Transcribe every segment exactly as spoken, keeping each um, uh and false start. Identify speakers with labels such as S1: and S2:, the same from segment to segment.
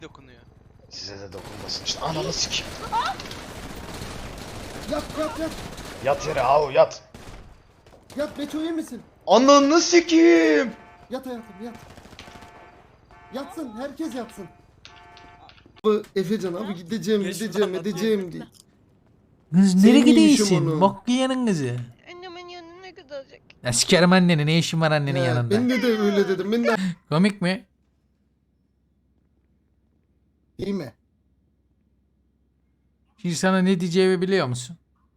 S1: dokunuyor.
S2: Size de dokunmasın işte. Ananı sikeyim.
S3: Yat yat yat.
S2: Yat yere avu yat.
S3: Yat Beto iyi misin?
S2: Ananı sikeyim.
S3: Yat hayatım yat. Yatsın herkes yatsın. Abi Efecan abi gideceğim gideceğim edeceğim diye.
S4: Kız
S3: Senin
S4: nereye
S3: iyi işin
S4: gidiyorsun?
S3: onu.
S4: Bok yiyenin kızı.
S1: Annemin yanına gidecek.
S4: Ya sikerim anneni, ne işin var annenin
S3: He,
S4: yanında?
S3: Ben de, de öyle dedim. Ben de
S4: Komik mi?
S3: iyi mi?
S4: Şimdi sana ne diyeceğimi biliyor musun?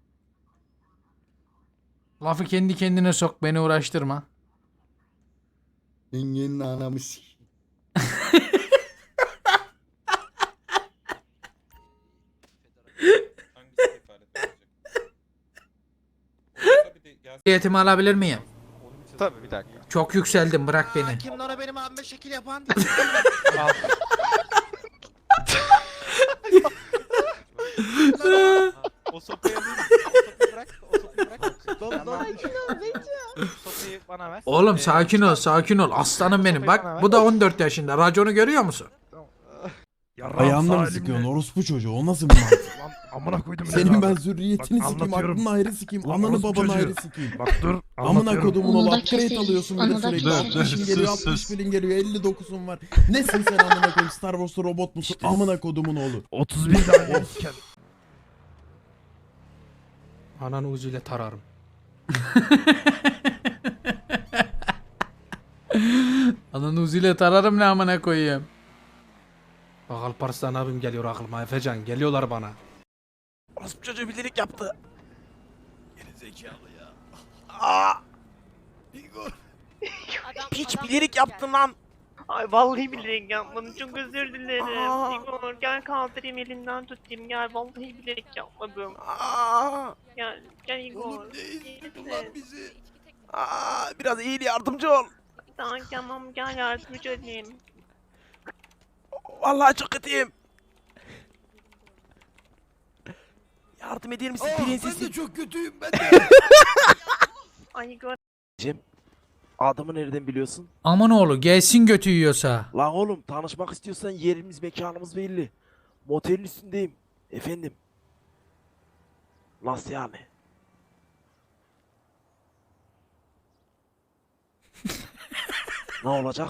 S4: Lafı kendi kendine sok, beni uğraştırma.
S3: Yengenin anamı s***.
S4: Ehliyetimi alabilir miyim?
S1: Tabii bir dakika.
S4: Çok yükseldim, bırak beni.
S5: Kim lan o benim abime şekil yapan?
S1: O sopayı alayım. O sopayı bırak. O sopayı bırak. Don don. Sopayı bana ver.
S4: Oğlum
S1: Ee,
S4: sakin ol, sakin ol. Aslanım benim. Bak bu da on dört yaşında. Raconu görüyor musun?
S6: Ayağımla mı sıkıyorsun orospu çocuğu? O nasıl bir mantık?
S7: Lan amına koydum
S6: Senin ben zürriyetini
S7: Bak,
S6: sikeyim,
S7: anlatıyorum.
S6: aklını ayrı sikeyim,
S7: Ulan
S6: ananı
S7: orospu
S6: babanı
S7: çocuğu.
S6: ayrı sikeyim.
S7: Bak dur
S6: Amına
S7: anlatıyorum.
S6: kodumun
S8: Onu
S6: oğlu
S8: da
S6: upgrade
S8: keselim,
S6: alıyorsun bir
S8: onu
S6: de
S8: da
S6: sürekli.
S8: keselim.
S6: altmış bin geliyor, altmış bin geliyor, elli dokuzun var. Nesin sen amına koyayım? Star Wars'ta robot musun?
S7: İşte-
S6: Amına kodumun oğlu.
S7: otuz bin tane siken.
S5: Ananı uzuyla tararım.
S4: Ananı uziyle tararım ne amına koyayım.
S5: Bak Alparslan abim geliyor aklıma. Efecan geliyorlar bana.
S7: Orospu çocuğu bilerek yaptı. Geri zekalı ya. Aa! Igor. Piç bilerek yaptın lan.
S9: Ay vallahi bilerek yapmadım. Çok özür dilerim.
S7: Aa.
S9: Igor gel kaldırayım elinden tutayım. Gel vallahi bilerek yapmadım.
S7: Aa!
S9: Gel gel Igor.
S7: Oğlum ne
S9: İyi
S7: izdin lan
S9: misin?
S7: bizi? Aa! Biraz iyi yardımcı ol.
S9: Tamam tamam gel yardımcı olayım.
S7: Vallahi çok kötüyüm. Yardım eder misin prensesim? Ben de çok kötüyüm ben de.
S9: Ay Igor.
S7: Cem, adamı nereden biliyorsun?
S4: Aman oğlu gelsin götü yiyorsa.
S7: Lan oğlum tanışmak istiyorsan yerimiz mekanımız belli. Motelin üstündeyim. Efendim. Nasıl yani? Ne olacak?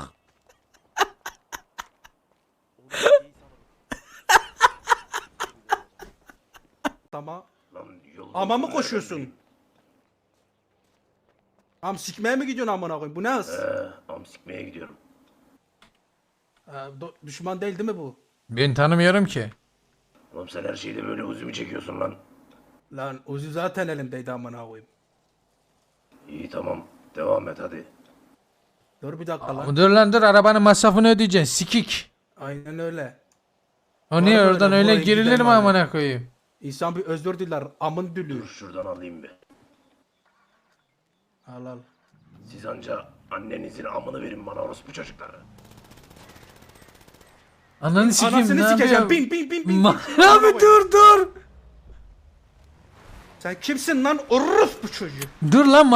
S5: Tamam. Ama mı koşuyorsun? Am sikmeye mi gidiyorsun amına koyayım? Bu ne hız?
S10: Ee, am sikmeye gidiyorum.
S5: Ee, do- düşman değil değil mi bu?
S4: Ben tanımıyorum ki.
S10: Oğlum sen her şeyde böyle uzun çekiyorsun lan.
S5: Lan Uzi zaten elimdeydi amına koyayım.
S10: İyi tamam. Devam et hadi.
S5: Dur bir dakika lan.
S4: Dur lan dur, arabanın masrafını ödeyeceksin sikik.
S5: Aynen öyle.
S4: O niye
S5: Var
S4: oradan
S5: böyle,
S4: öyle
S5: buraya
S4: girilir
S5: giden
S4: mi
S5: var
S4: amına koyayım?
S5: İnsan bir özür diler. Amın
S10: Dur
S5: dülür.
S10: şuradan alayım bir.
S5: Al al.
S10: Siz anca annenizin amını verin bana orospu çocukları.
S4: Ananı sikeyim, ne
S5: Anasını sikeceğim.
S4: yapıyor?
S5: Bin bin bin bin.
S4: Ma- Abi dur dur.
S5: Sen kimsin lan? Orospu çocuğu.
S4: Dur lan.